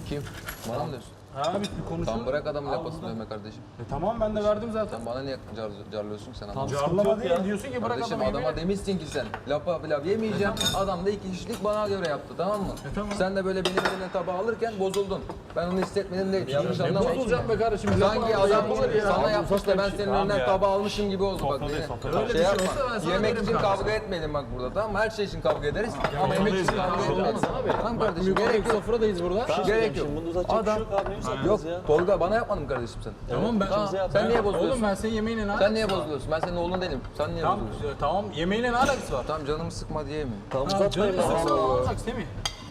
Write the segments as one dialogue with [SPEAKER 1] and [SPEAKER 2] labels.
[SPEAKER 1] Kim? Bana mı diyorsun?
[SPEAKER 2] Ha biz bir konuşalım.
[SPEAKER 1] Tam bırak adamın lapasını dövme kardeşim.
[SPEAKER 2] Tamam ben de verdim zaten.
[SPEAKER 1] Sen bana niye carlıyorsun ki sen adamı?
[SPEAKER 2] Carlama değil diyorsun ki bırak
[SPEAKER 1] Kardeşim
[SPEAKER 2] adamı
[SPEAKER 1] adama
[SPEAKER 2] yemeğe.
[SPEAKER 1] demişsin ki sen lapa pilav yemeyeceğim. Adam da 2 kişilik bana göre yaptı tamam mı?
[SPEAKER 2] Tamam.
[SPEAKER 1] Sen de böyle benim eline tabağı alırken bozuldun. Ben onu hissetmedim değil. Yanlış
[SPEAKER 2] Ne
[SPEAKER 1] anlama.
[SPEAKER 2] bozulacağım be kardeşim?
[SPEAKER 1] Sanki adam sana
[SPEAKER 2] ya.
[SPEAKER 1] yapmış da ben senin önünden tabağı almışım gibi oldu bak.
[SPEAKER 2] Öyle bir
[SPEAKER 1] Şey
[SPEAKER 2] şey
[SPEAKER 1] yapma.
[SPEAKER 2] olsa ben sana
[SPEAKER 1] Yemek
[SPEAKER 2] derim
[SPEAKER 1] için
[SPEAKER 2] kanka.
[SPEAKER 1] kavga etmeyelim bak burada tamam mı? Her şey için kavga ederiz. Ama yemek için kavga etmeyelim. Tamam kardeşim gerek yok.
[SPEAKER 2] Sofradayız burada.
[SPEAKER 1] Gerek yok.
[SPEAKER 3] Bunu uzatacak bir şey
[SPEAKER 1] Adam
[SPEAKER 3] yok abi. Ne uzatacağız
[SPEAKER 1] yok
[SPEAKER 3] ya?
[SPEAKER 1] Tolga bana yapmadın mı kardeşim sen?
[SPEAKER 2] Tamam ben.
[SPEAKER 1] Tamam, sen niye bozuluyorsun?
[SPEAKER 2] Oğlum ben senin yemeğine ne
[SPEAKER 1] Sen
[SPEAKER 2] alakası
[SPEAKER 1] niye
[SPEAKER 2] var?
[SPEAKER 1] bozuluyorsun? Ben senin oğlun değilim. Sen niye
[SPEAKER 2] Tamam,
[SPEAKER 1] bozuluyorsun?
[SPEAKER 2] tamam yemeğine ne alakası var?
[SPEAKER 1] Tamam canımı sıkma diyeyim mi?
[SPEAKER 3] Tamam
[SPEAKER 2] Canım
[SPEAKER 3] uzatmayın.
[SPEAKER 2] sıkma ne olacak Semih?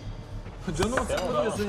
[SPEAKER 2] Canımı sıkma diyorsun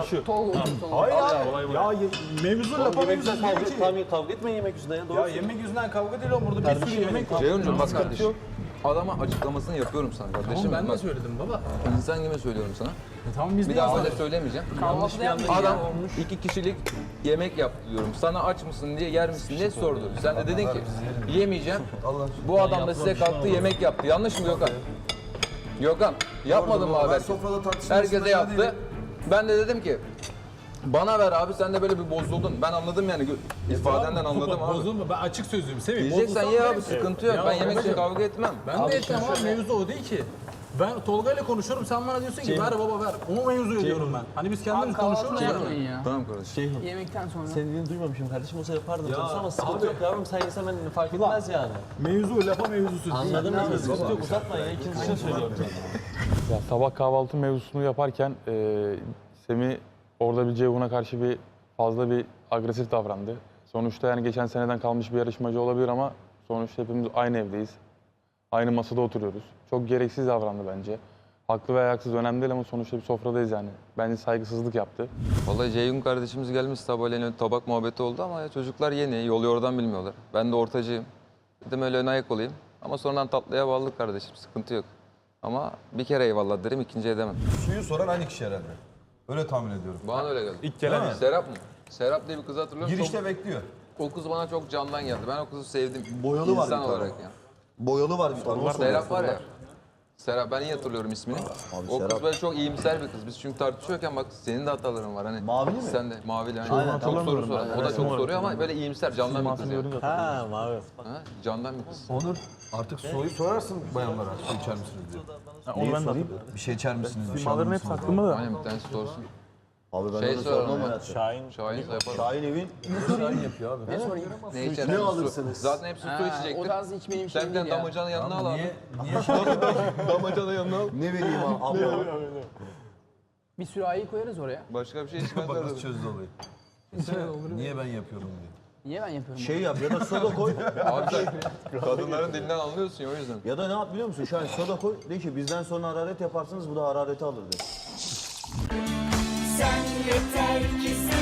[SPEAKER 2] ya.
[SPEAKER 4] Hayır abi. Ya mevzu lapa mevzu
[SPEAKER 3] Yemek
[SPEAKER 4] değil
[SPEAKER 3] yüzünden
[SPEAKER 4] ki.
[SPEAKER 3] kavga, kavga etmeyin yemek yüzünden ya. Doğru.
[SPEAKER 2] Ya yemek yüzünden kavga değil oğlum burada bir sürü yemek var.
[SPEAKER 1] Ceyhuncuğum bak kardeşim. Adama açıklamasını yapıyorum sana kardeşim.
[SPEAKER 2] Oğlum ben de
[SPEAKER 1] Bak,
[SPEAKER 2] söyledim baba.
[SPEAKER 1] İnsan gibi söylüyorum sana.
[SPEAKER 2] Tamam biz
[SPEAKER 1] Bir
[SPEAKER 2] niye
[SPEAKER 1] daha öyle
[SPEAKER 2] söyledik?
[SPEAKER 1] söylemeyeceğim.
[SPEAKER 2] Yanlış bir anda
[SPEAKER 1] Adam 2 kişilik yemek yaptı diyorum. Sana aç mısın diye yer misin diye sordu. Sen de dedin ki yemeyeceğim. Bu adam da size kalktı yemek yaptı. Yanlış mı Gökhan? Gökhan yapmadın mı haber? Herkese yaptı. Ben de dedim ki bana ver abi sen de böyle bir bozuldun. Ben anladım yani ifadenden anladım abi.
[SPEAKER 2] Bozulma ben açık sözlüyüm Semih.
[SPEAKER 1] Diyeceksen
[SPEAKER 2] Bozulsam
[SPEAKER 1] ye
[SPEAKER 2] derim
[SPEAKER 1] abi
[SPEAKER 2] ki-
[SPEAKER 1] sıkıntı yok.
[SPEAKER 2] Ya
[SPEAKER 1] Ben yemek için
[SPEAKER 2] babacığım,
[SPEAKER 1] kavga etmem.
[SPEAKER 2] Ben de etmem abi mevzu o değil ki. Ben Tolga ile konuşuyorum sen bana diyorsun ki ver baba ver. O mevzuyu diyorum ben. Hani biz kendimiz konuşuyoruz ya.
[SPEAKER 1] Tamam kardeşim.
[SPEAKER 5] Yemekten sonra.
[SPEAKER 3] Senin dediğini duymamışım kardeşim olsa yapardım tabii ama sıkıntı yok yavrum sen yesen ben fark etmez yani.
[SPEAKER 4] Mevzu lapa mevzusu.
[SPEAKER 3] Anladım ben sıkıntı yok uzatma ya ikinci şey söylüyorum zaten.
[SPEAKER 6] Ya sabah kahvaltı mevzusunu yaparken Semih orada bir Ceyhun'a karşı bir fazla bir agresif davrandı. Sonuçta yani geçen seneden kalmış bir yarışmacı olabilir ama sonuçta hepimiz aynı evdeyiz. Aynı masada oturuyoruz. Çok gereksiz davrandı bence. Haklı veya haksız önemli değil ama sonuçta bir sofradayız yani. Bence saygısızlık yaptı.
[SPEAKER 1] Vallahi Ceyhun kardeşimiz gelmiş sabahleyin tabak muhabbeti oldu ama ya çocuklar yeni, yol yordan bilmiyorlar. Ben de ortacıyım. Dedim öyle ön ayak olayım. Ama sonradan tatlıya bağladık kardeşim, sıkıntı yok. Ama bir kere eyvallah derim, ikinci edemem.
[SPEAKER 7] Suyu soran aynı kişi herhalde. Öyle tahmin ediyorum.
[SPEAKER 1] Bana öyle geldi.
[SPEAKER 4] İlk gelen
[SPEAKER 1] Serap mı? Serap diye bir kız hatırlıyorum.
[SPEAKER 7] Girişte bekliyor.
[SPEAKER 1] O kız bana çok candan geldi. Ben o kızı sevdim.
[SPEAKER 7] Boyalı var
[SPEAKER 1] İnsan
[SPEAKER 7] bir tane.
[SPEAKER 1] olarak yani.
[SPEAKER 7] Boyalı var bir tane.
[SPEAKER 1] Serap var ya. Serap ben iyi hatırlıyorum ismini. O kız
[SPEAKER 7] Serap.
[SPEAKER 1] böyle çok iyimser bir kız. Biz çünkü tartışıyorken bak senin de hataların var hani.
[SPEAKER 7] Mavili mi?
[SPEAKER 1] Sen de mavili hani. Çok soru soran. O da çok soruyor ama böyle iyimser candan bir kız yani.
[SPEAKER 3] Ha mavi.
[SPEAKER 1] Ha, candan bir kız.
[SPEAKER 7] Onur artık soruyu sorarsın bayanlara. Su içer misiniz diye.
[SPEAKER 6] Onu ben de
[SPEAKER 7] Bir şey içer misiniz? Bir şey alır
[SPEAKER 6] Malların hepsi
[SPEAKER 7] mısınız?
[SPEAKER 6] aklımda da.
[SPEAKER 1] Aynen bir tanesi sorsun.
[SPEAKER 7] Abi ben
[SPEAKER 1] Şey
[SPEAKER 7] onu
[SPEAKER 1] soralım
[SPEAKER 7] sormam
[SPEAKER 1] ama.
[SPEAKER 7] hayatım.
[SPEAKER 3] Şahin.
[SPEAKER 1] Şahin yaparım.
[SPEAKER 7] Şahin evin
[SPEAKER 1] Ne içer?
[SPEAKER 7] ne
[SPEAKER 1] Su.
[SPEAKER 7] alırsınız?
[SPEAKER 1] Zaten hepsi su
[SPEAKER 5] O
[SPEAKER 1] içecektir.
[SPEAKER 5] tarz içmediğim bir şey
[SPEAKER 1] Sen bir
[SPEAKER 5] değil
[SPEAKER 1] tane
[SPEAKER 5] ya.
[SPEAKER 1] damacanın yanına al abi.
[SPEAKER 7] Niye
[SPEAKER 1] Damacanın yanına al.
[SPEAKER 7] ne vereyim abla?
[SPEAKER 5] Bir sürahiyi koyarız oraya.
[SPEAKER 1] Başka bir şey içmezler.
[SPEAKER 7] Bak nasıl çözdü olayı. Niye ben yapıyorum diye.
[SPEAKER 5] Niye ben yapıyorum?
[SPEAKER 7] Şey yap ya da soda koy.
[SPEAKER 1] Abi sen kadınların dilinden anlıyorsun ya o yüzden.
[SPEAKER 7] Ya da ne yap biliyor musun? Şahin soda koy. De ki bizden sonra hararet yaparsınız bu da harareti alır de.
[SPEAKER 8] Sen yeter ki sen